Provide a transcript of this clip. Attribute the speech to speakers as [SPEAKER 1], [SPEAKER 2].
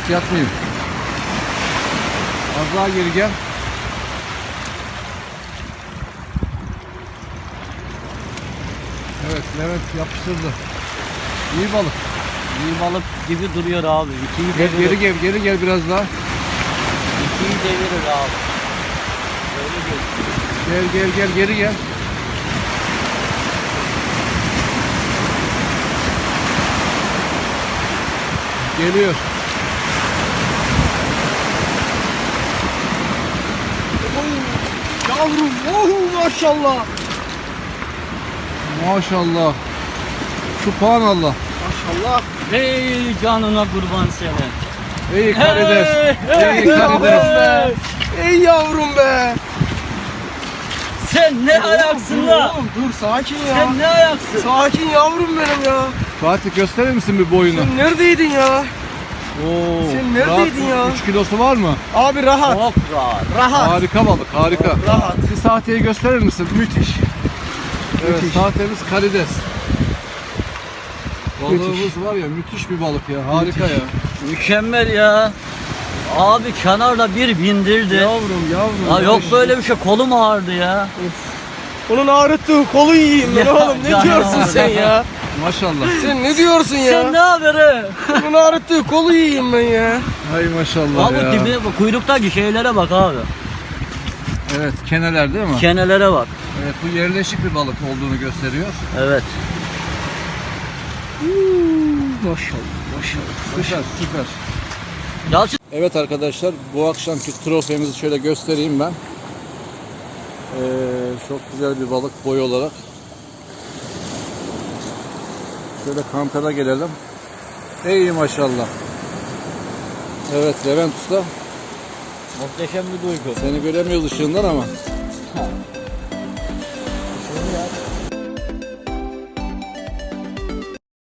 [SPEAKER 1] Levent yatmayayım. Az daha geri gel. Evet, Levent yapıştırdı. İyi balık.
[SPEAKER 2] İyi balık gibi duruyor abi. İkiyi devirir.
[SPEAKER 1] Geri gel biraz daha.
[SPEAKER 2] İkiyi devirir abi. Öyle
[SPEAKER 1] Gel geri gel. Geliyor.
[SPEAKER 3] Yavrum, oh maşallah.
[SPEAKER 1] Maşallah. Subhanallah.
[SPEAKER 3] Maşallah.
[SPEAKER 2] Ey canına kurban senin.
[SPEAKER 1] İyi karides.
[SPEAKER 2] Hey,
[SPEAKER 1] İyi karides.
[SPEAKER 3] Ey yavrum be.
[SPEAKER 2] Sen ne ayaksın
[SPEAKER 3] Dur
[SPEAKER 2] la?
[SPEAKER 3] oğlum, dur sakin ya.
[SPEAKER 2] Sen ne ayaksın?
[SPEAKER 3] Sakin yavrum benim ya.
[SPEAKER 1] Fatih gösterir misin bir boyunu?
[SPEAKER 3] Sen neredeydin ya?
[SPEAKER 1] Oo,
[SPEAKER 3] Sen neredeydin ya?
[SPEAKER 1] 3 kilosu var mı?
[SPEAKER 3] Abi rahat.
[SPEAKER 2] Çok rahat.
[SPEAKER 3] Rahat.
[SPEAKER 1] Harika balık, harika.
[SPEAKER 3] Rahat.
[SPEAKER 1] Bir sahteyi gösterir misin? Müthiş. Evet,
[SPEAKER 3] Müthiş.
[SPEAKER 1] sahtemiz karides. Balığımız
[SPEAKER 3] Müthiş.
[SPEAKER 1] var ya, müthiş bir balık ya, harika ya.
[SPEAKER 2] Mükemmel ya. Abi kenarda bir bindirdi.
[SPEAKER 3] Yavrum.
[SPEAKER 2] Ya yok böyle bir şey, kolum ağrıdı ya.
[SPEAKER 3] Onun ağrıttığı kolu yiyeyim ben
[SPEAKER 2] Ya,
[SPEAKER 3] oğlum. Ne
[SPEAKER 2] canım
[SPEAKER 3] diyorsun
[SPEAKER 2] ağrı.
[SPEAKER 3] sen ya?
[SPEAKER 1] Maşallah.
[SPEAKER 3] Sen ne diyorsun ya?
[SPEAKER 2] Sen ne haberi?
[SPEAKER 3] Onun ağrıttığı kolu yiyeyim ben ya.
[SPEAKER 1] Hay maşallah
[SPEAKER 2] Abi
[SPEAKER 1] ya.
[SPEAKER 2] dibi, bu kuyruktaki şeylere bak abi.
[SPEAKER 1] Evet, keneler değil mi?
[SPEAKER 2] Kenelere bak.
[SPEAKER 1] Evet, bu yerleşik bir balık olduğunu gösteriyor.
[SPEAKER 2] Evet.
[SPEAKER 3] Maşallah.
[SPEAKER 1] Süper.
[SPEAKER 2] Yalçın.
[SPEAKER 1] Evet arkadaşlar, bu akşamki trofemizi şöyle göstereyim ben. Çok güzel bir balık boy olarak. Şöyle kantara gelelim. Ey maşallah. Evet Levent Usta,
[SPEAKER 2] Muhteşem bir duygu.
[SPEAKER 1] seni göremiyoruz ışığından ama